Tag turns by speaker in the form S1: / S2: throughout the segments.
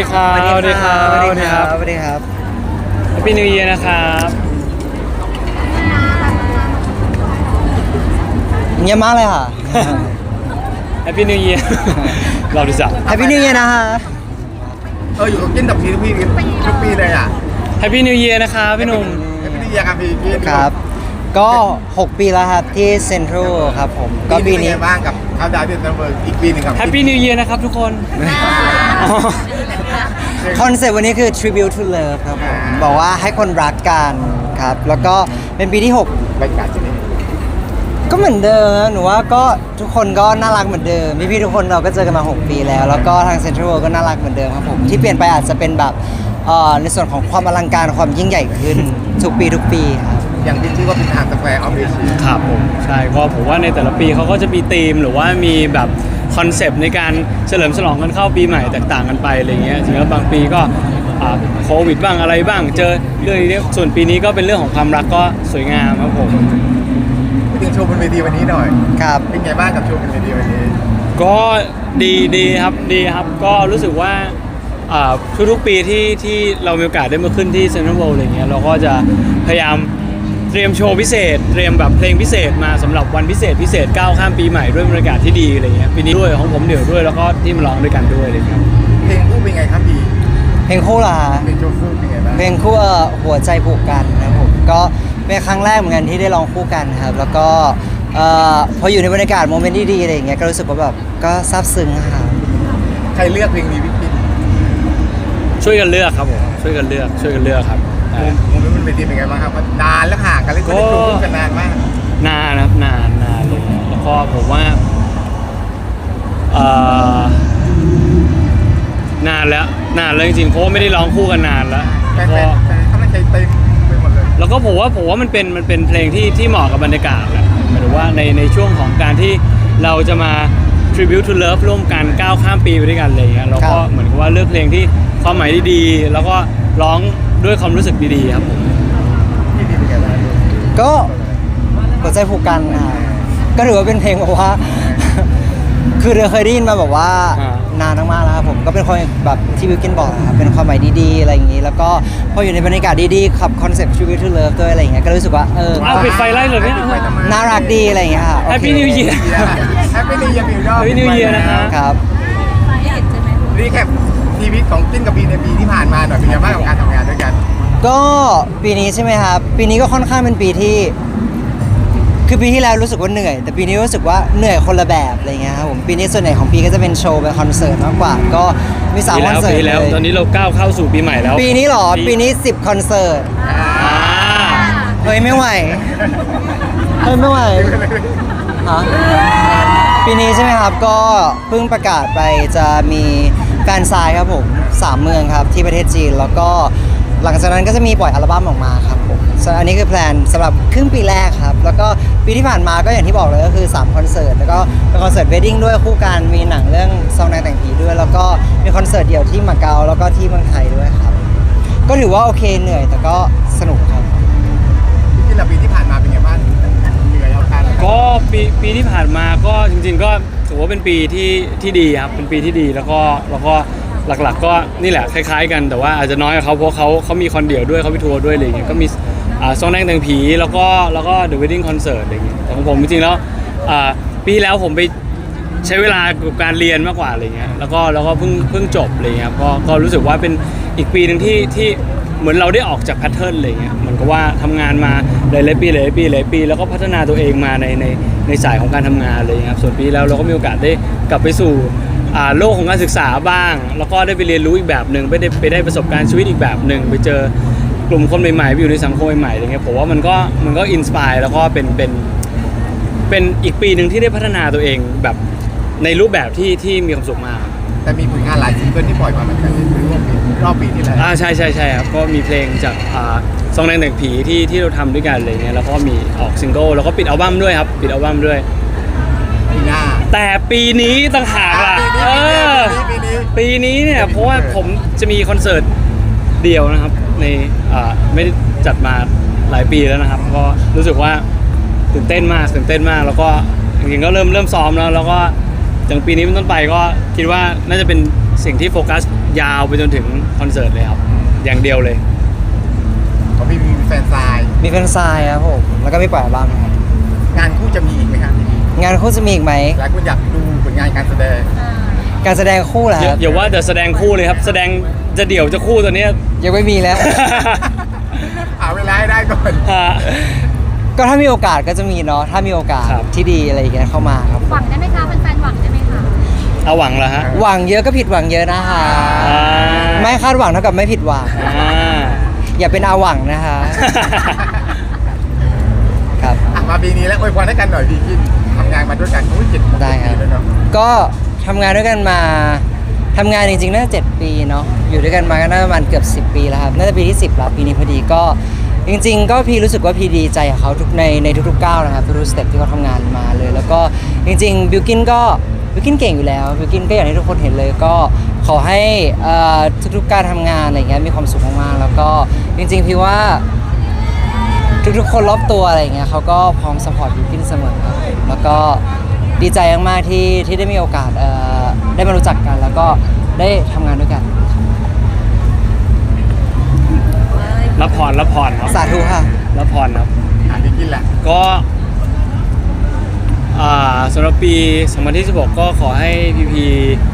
S1: ครับสวัสดีครับ
S2: สวัสดีครับสวัสดีครับ
S1: Happy New Year นะครับ
S2: เงียบมากเลยค่ะ
S1: Happy New Year เราดีจัง
S2: Happy New Year นะคะ
S3: อยู่กับกินดับทีทุกปีเลยอ่ะ
S1: Happy New Year นะครับพี่หนุ่ม
S3: ไม่ได้ยังครับพี่กิน
S2: ครับ ก็ 6 ปีแล้วครับที่เซ็นทรัลครับผมก็ปีนี้
S3: เป็นไงบ้างกับเขาดาวที่เซนเบอร์อีกปีหนึงครับ
S1: Happy New Year นะครับทุกคนอ๋อ
S2: คอนเซ็ปต์วันนี้คือ Tribute to Love ครับผมบอกว่าให้คนรักกันครับ แล้วก็เป็นปีที่
S3: บรรยากาศที่นี่
S2: 6 ก็เหมือนเดิมนะหนูว่าก็ทุกคนก็น่ารักเหมือนเดิมพี่ๆทุกคนเราก็เจอกันมา 6 ปีแล้ว แล้วก็ทางเซ็นทรัลก็น่ารักเหมือนเดิมครับผมที่เปลี่ยนไปอาจจะเป็นแบบในส่วนของความอลังการความยิ่งใหญ่ขึ้นทุกปีครับ
S3: อย่างที่ชื่อว่าเป็นทางสแควร์ออฟเอเชีย
S1: ครับผมใช่ก็ผมว่าในแต่ละปีเขาก็จะมีธีมหรือว่ามีแบบคอนเซปต์ในการเฉลิมฉลองกันเข้าปีใหม่แตกต่างกันไปอะไรเงี้ยจริงๆแล้วบางปีก็โควิดบ้างอะไรบ้างเจอเรื่องนี้ส่วนปีนี้ก็เป็นเรื่องของความรักก็สวยงามครับผม
S3: พูดถึงโชว์บนเวทีวันนี้หน่อย
S2: ครับ
S3: เป็นไงบ้างกับโชว์บนเวทีวันนี้
S1: ก็ดีครับก็รู้สึกว่าทุกๆปีที่เรามีโอกาสได้มาขึ้นที่เซ็นทรัลเวิลด์อะไรเงี้ยเราก็จะพยายามเตรียมโชว์พิเศษเตรียมแบบเพลงพิเศษมาสำหรับวันพิเศษก้าวข้ามปีใหม่ด้วยบรรยากาศที่ดีอะไรเงี้ยปีนี้ด้วยของผมเดี่ยวด้วยแล้วก็ที่มาร้องด้วยกันด้วยอะไรเงี้ย
S3: เพลงคู่เป็นไงครับพี่
S2: เพลงคู่ล่ะ
S3: เพลงโชว์คู่เป็นไงบ้าง
S2: เพลงคู่หัวใจผูกกันนะครับผมก็เป็นครั้งแรกเหมือนกันที่ได้ร้องคู่กันครับแล้วก็พออยู่ในบรรยากาศโมเมนต์ที่ดีอะไรอย่างเงี้ยก็รู้สึกว่าแบบก็ซาบซึ้งครับ
S3: ใครเลือกเพลงนี้พี่กิน
S1: ช่วยกันเลือกครับผมช่วยกันเลือกครับ
S3: โมเมนต์บนเวทีเป็นไงบ้างครับนานแล้วห่างกันเลยไม่ได้โชว์คู่กันนานมาก
S1: นานนะครับนานเลยแล้วก็ผมว่านานแล้วจริงๆเพราะว่าไม่ได้ร้องคู่กันนานแล้ว
S3: แฟ
S1: แล้ว
S3: น
S1: ก็
S3: ๆเขาไม่ใจเต็มไปหมดเลย
S1: แล้วก็ผมว่ามันเป็นเพลงที่เหมาะกับบรรยากาศแหละหมายถึงว่าในช่วงของการที่เราจะมา tribute to love ร่วมกันก้าวข้ามปีไปด้วยกันอะไรอย่างเงี้ยเราก็เหมือนกับว่าเลือกเพลงที่ความหมายดีๆแล้วก็ร้องด้วยความรู้สึกดีๆครับผม
S3: พี่ดีเป็นไงบ้าง
S2: ก็หัวใจผูกกันนะครับก็ถือว่าเป็นเพลงแบบว่า คือเราเคยได้ยินมาแบบว่านานมากๆแล้วครับผมก็เป็นคนแบบที่บิวกินบอกนะครับเป็นความหมายดีๆอะไรอย่างงี้แล้วก็พออยู่ในบรรยากาศดีๆขับคอนเซ็ปต์ Tribute to Love ด้วยอะไรอย่างเงี้ยก็รู้สึกว่า
S1: เอาปิดไฟไล่เลยเนี่ย
S2: น่ารักดีอะไรอย่างเงี้ยค่ะ
S1: Happy New Year
S3: แฮปปี้นิวเยียร์มิวดอ
S1: Happy New Year นะฮะ
S2: ครับ
S3: รีแคปชีวิตของจิ้นกับบีในปีที่ผ่านมาหน่อยเป็นไงบ้างกับการทำงานด้วยกัน
S2: ก็ปีนี้ใช่ไหมครับปีนี้ก็ค่อนข้างเป็นปีที่คือปีที่แล้วรู้สึกว่าเหนื่อย แต่ปีนี้รู้สึกว่าเหนื่อยคนละแบบอะไรเงี้ยครับผมปีนี้ส่วนใหญ่ของปีก็จะเป็นโชว์เป็นคอนเสิร์ตมากกว่าก็มี3คอนเสิร์ต
S1: ปี
S2: เล
S1: แล้วตอน
S2: ย
S1: นี้เราก้าวเข้าสู่ปีใหม่แล้ว
S2: ปีนี้เหรอปีนี้10คอนเสิร์ต
S1: อ่า
S2: เฮ้ยไม่ไหวเฮ้ยไม่ไหวฮะปีนี้ใช่ไหมครับก็เพิ่งประกาศไปจะมีแฟนซายครับผม3เมืองครับที่ประเทศจีนแล้วก็หลังจากนั้นก็จะมีปล่อยอัลบั้มออกมาครับผมส่วนอันนี้คือแพลนสำหรับครึ่งปีแรกครับแล้วก็ปีที่ผ่านมาก็อย่างที่บอกเลยก็คือ3คอนเสิร์ตแล้วก็เป็นคอนเสิร์ตเวดดิ้งด้วยคู่กันมีหนังเรื่องซองนางแต่งผีด้วย แล้วก็มีคอนเสิร์ตเดี่ยวที่มาเก๊าแล้วก็ที่เมืองไทยด้วยครับก็ถือว่าโอเคเหนื่อยแต่ก็สนุกครับ
S3: พี่จิ้นกับปีที่ผ่านมาเป็นไงบ้างเหนื่อยเอาการ
S1: ก็ปีที่ผ่านมาก็จริงๆก็ถือว่าเป็นปีที่ดีครับเป็นปีที่ดีแล้วก็หลักๆก็นี่แหละคล้ายๆกันแต่ว่าอาจจะน้อยกว่าเขาเพราะเขามีคอนเดี่ยวด้วยเขามีทัวร์ด้วยอะไรอย่างเงี้ยก็มีซองแดงแต่งผีแล้วก็ The Wedding Concert อะไรอย่างเงี้ยแต่ของผมจริงๆแล้วปีที่แล้วผมไปใช้เวลากับการเรียนมากกว่าอะไรเงี้ยแล้วก็เพิ่งจบอะไรเงี้ยก็รู้สึกว่าเป็นอีกปีหนึ่งที่เหมือนเราได้ออกจากแพทเทิร์นอะไรเงี้ยเหมือนกับว่าทำงานมาหลายปีแล้วก็พัฒนาตัวเองมาในสายของการทำงานเลยครับส่วนปีแล้วเราก็มีโอกาสได้กลับไปสู่โลกของการศึกษาบ้างแล้วก็ได้ไปเรียนรู้อีกแบบหนึ่งไปได้ประสบการณ์ชีวิตอีกแบบหนึ่งไปเจอกลุ่มคนใหม่ๆไปอยู่ในสังคมใหม่ๆอะไรเงี้ยผมว่ามันก็อินสปายแล้วก็เป็นอีกปีหนึ่งที่ได้พัฒนาตัวเองแบบในรูปแบบที่มีความสุขมาก
S3: แต่มีผลงานหลายซิงเกิลที่ปล่อยมาเหมือนกันในรอบปีที่แล้ว
S1: ใช่ครับก็มีเพลงจากซองแดงแต่งผีที่เราทำด้วยกันอะไรเงี้ยแล้วก็มีออกซิงเกิลแล้วก็ปิดอัลบั้มด้วยครับปิดอัลบั้มด้วย
S3: ปีหน้า
S1: แต่ปีนี้ต่างหากล่ะปีนี้เนี่ยเพราะว่าผมจะมีคอนเสิร์ตเดียวนะครับในไม่ได้จัดมาหลายปีแล้วนะครับก็รู้สึกว่าตื่นเต้นมากแล้วก็จริงๆก็เริ่มซ้อมแล้วก็จากปีนี้เป็นต้นไปก็คิดว่าน่าจะเป็นสิ่งที่โฟกัสยาวไปจนถึงคอนเสิร์ตเลยครับอย่างเดียวเลย
S3: ของพี่มีแฟนซาย
S2: มีแฟนซายครับผมแล้วก็มีปล่อยอัลบั้มครับ
S3: งานคู่จะมีอีกไหมครับพี่
S2: งานคู่จะมีอีกไหม
S3: หลายคนอยากดูผลงานการแสดง
S2: การแสดงคู่เหรอครับ
S1: อย่าว่าแต่แสดงคู่เลยครับ แสดงจะเดี่ยวจะคู่ตัวเนี้ย
S2: ยังไม่มีแล้ว
S3: หาเวลาให้ได้ก่อน
S1: ฮะ
S2: ก็ถ้ามีโอกาสก็จะมีเนาะถ้ามีโอกาส
S1: ครับ
S2: ที่ดีอะไรอย่างเงี้ยเข้ามาครับ
S4: หวังได้ไหมคะแฟนๆหวังได้ไหมคะ
S1: เอาหวังแล้วฮะ
S2: หวังเยอะก็ผิดหวังเยอะนะคะ
S1: อ่า
S2: ไม่คาดหวังเท่ากับไม่ผิดหวัง
S1: อ่า
S2: อย่าเป็นอาหวังนะคะครับ
S3: อ่ะมาปีนี้แล้วอวยพรให้กันหน่อยพี่กินทำงานมาด้วยกันโอ้ย7
S2: ได้ครับ
S3: ปีแล้วเนาะ
S2: ก็ทำงานด้วยกันมาทำงานจริงๆน่าจะ7 ปีเนาะอยู่ด้วยกันมาก็น่าจะประมาณเกือบ10 ปีแล้วครับน่าจะปีที่10แล้วปีนี้พอดีก็จริงๆ ก็พี่รู้สึกว่าพี่ดีใจกับเขาทุกในทุกๆก้าวนะครับทุกๆสเต็ปที่เขาทำงานมาเลย แล้วก็จริงๆบิวกินเก่งอยู่แล้วบิวกินก็อย่างที่ทุกคนเห็นเลยก็ขอให้ทุกๆการทำงานอะไรเงี้ยมีความสุขมากๆแล้วก็จริงๆพี่ว่า ทุกๆคนรอบตัวอะไรเงี้ยเขาก็พร้อมสปอร์ตบิวกินเสมอครับแล้วก็ดีใจมากๆที่ได้มีโอกาสได้มารู้จักกัน แล้วก็ได้ทำงานด้วยกัน
S1: รับพรครับ
S2: สาธุค่ะ
S1: รับพรครับ
S3: อ่ะพี่กินแหละ
S1: ก็สำหรับปี 2016 ก็ขอให้พีพี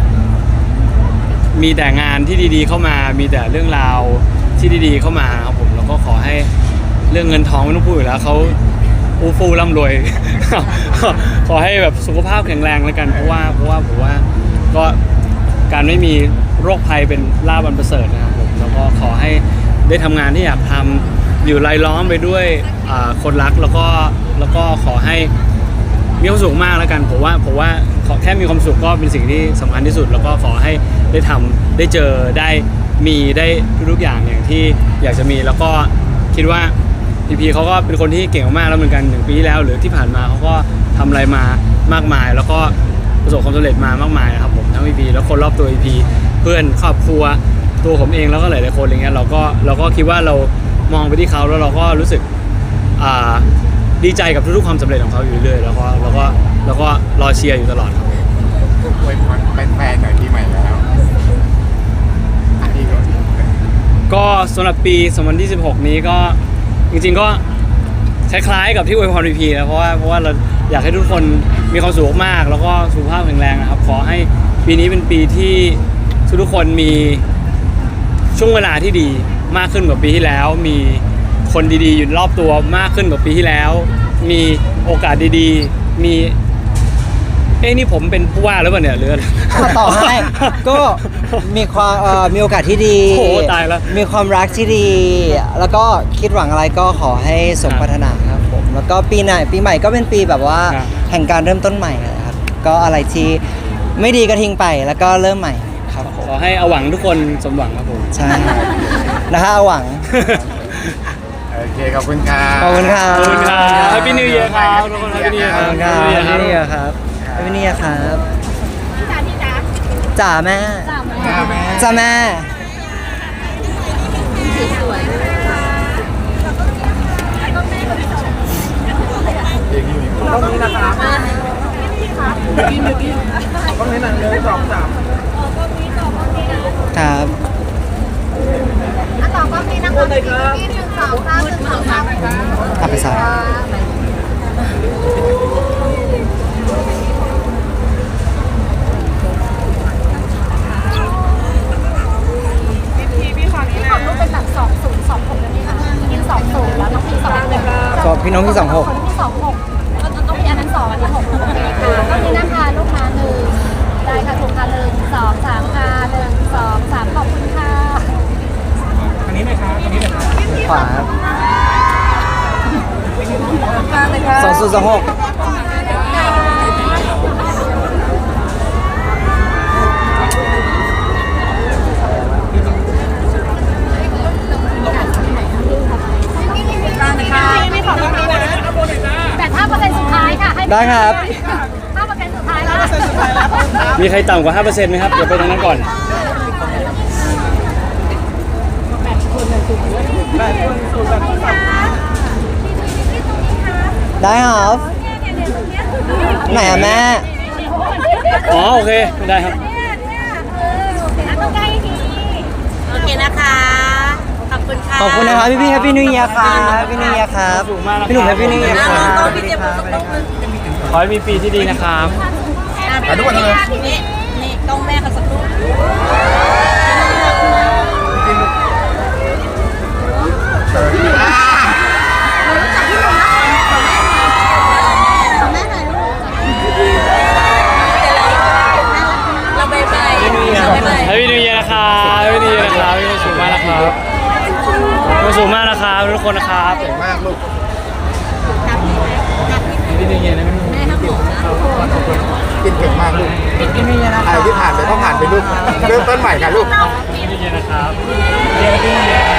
S1: มีแต่งานที่ดีๆเข้ามา มีแต่เรื่องราวที่ดีๆเข้ามาครับผมแล้วก็ขอให้เรื่องเงินทองไม่ต้องพูดอยู่แล้วเขาอู้ฟู่ร่ำรวย ขอให้แบบสุขภาพแข็งแรงแล้วกันเพราะว่าผมว่าก็การไม่มีโรคภัยเป็นลาภอันประเสริฐนะครับผมแล้วก็ขอให้ได้ทำงานที่อยากทำอยู่รายล้อมไปด้วยคนรักแล้วก็ขอให้มีความสุขมากแล้วกันผมว่าขอแค่มีความสุขก็เป็นสิ่งที่สำคัญที่สุด แล้วก็ขอให้ได้ทำได้เจอได้มีได้ทุกๆอย่างอย่างที่อยากจะมีแล้วก็คิดว่าพีพีเขาก็เป็นคนที่เก่งมากๆแล้วเหมือนกัน1 ปีที่แล้วหรือที่ผ่านมาเขาก็ทำอะไรมามากมาย แล้วก็ประสบความสำเร็จมามากมายนะครับผมทั้งพีพีแล้วคนรอบตัวพีพีเพื่อนครอบครัวตัวผมเองแล้วก็หลายๆคนอะไรเงี้ยเราก็คิดว่าเรามองไปที่เขาแล้วเราก็รู้สึกดีใจกับทุกๆความสำเร็จของเขาอยู่เรื่อยๆแล้วก็รอเชียร์อยู่ตลอดครับ
S3: อวยพรแฟนๆหน่อยปีใหม่แล้วอ่ะพี่ก่อน
S1: ก็สำหรับปี 2016 นี้ก็จริงๆก็คล้ายๆกับที่อวยพรพีพีนะเพราะว่าเราอยากให้ทุกคนมีความสุขมากแล้วก็สุขภาพแข็งแรงนะครับขอให้ปีนี้เป็นปีที่ทุกคนมีช่วงเวลาที่ดีมากขึ้นกว่าปีที่แล้ว มีคนดีๆอยู่รอบตัวมากขึ้นกว่าปีที่แล้ว มีโอกาสดีๆมีนี่ผมเป็นผู้ว่าหรือเปล่าเนี่ยหรือ
S2: ต่อให้ก็มีความมีโอกาสที่ดี
S1: โอ้โหตายแล้ว
S2: มีความรักที่ดี แล้วก็คิดหวังอะไรก็ขอให้สมปรารถนาครับผมแล้วก็ปีใหม่ก็เป็นปีแบบว่า
S1: ครับ
S2: แห่งการเริ่มต้นใหม่นะครับก็อะไรที่ไม่ดีก็ทิ้งไปแล้วก็เริ่มใหม่ครับผม
S1: ขอให้เอาหวังทุกคนสมหวังครับผม
S2: ใช่นะฮะเอาหวัง
S3: โอเคขอบคุณครับ
S2: ขอบคุณครับ
S1: ขอบคุณครับ Happy New Year ครับทุกคน Happy New Year
S2: ขอบคุณครับ
S1: Happy New Year
S2: พี่นี่ครับพี่นี่ครับ
S4: พี่จ๋า
S2: จ๋าแม่
S4: จ๋า
S3: แม่
S2: จ๋าแม่
S4: สวยๆนะคะแล้วก็แม่คนสวย
S3: เด็กอยู่
S4: ต้องนี้นะคะมา
S3: ต้องให้หนังเลย2-3
S2: ครับ
S4: อ่ะต่อก็มีนะคะพี่1 2 3 1 2 3
S2: เอาไปใส่
S4: พี่ขอรูปเป็นแบบ2026ได้ไหมคะยิน20แล้วน้องพี่21
S2: ก็พี่น้องที่26
S4: คนที่26แล้วก็ต้องมีอันนั้น2อันนี้6โอเคค่ะก็มีนะคะลูกค้า1ได้ค่ะถูกค่ะ1 2 3ค่ะ1 2 3ขอบคุณค่ะ
S2: ขวา2026
S4: แต่5%สุดท้ายค่ะให้
S2: ได้ครับ
S4: 5%สุดท้ายแล้ว
S1: มีใครต่ำกว่า 5% ไหมครับ เดี๋ยวไปตรงนั้นก่อน
S2: ได้ครับไหนอะแม่
S1: อ๋อ โอเค ได้ครับ
S4: เต้องใกล้ทีโอเคนะคะ ขอบคุณค่ะ
S2: ขอบคุณนะครับพี่ๆแฮปปี้นิวเยียร์ครับพี่นิวเยียร์ครับพี่หนุ่มแฮปปี้นิวเยียร์ครับ
S4: น้องพี่เจมส์สักลูกนึง
S1: ขอให้มีปีที่ดีนะครับ
S3: ขอทุกคนเลย
S4: นี่ต้องแม่เขาสักลูก เราไปไป
S1: ให้พี่นิวเยียร์นะครับให้พี่นิวเยียร์นะครับมีความสุขมากนะครับมีความสุขมากนะครับทุกคนนะครับ
S3: เก่งมากลูก
S1: พี่นิวเยียร์นะพี่นิวเยียร์
S4: แม่ครับผมนะ
S3: กินเก่งมากลูก
S2: พี่นิวเยียร์นะค
S3: อะไร
S2: รับ
S3: ที่ผ่านไปก็ผ่านไปลูกเริ่มต้นใหม่ค่ะลูก
S1: พี่นิวเยียร์นะครับพี่นิวเยียร์ครับ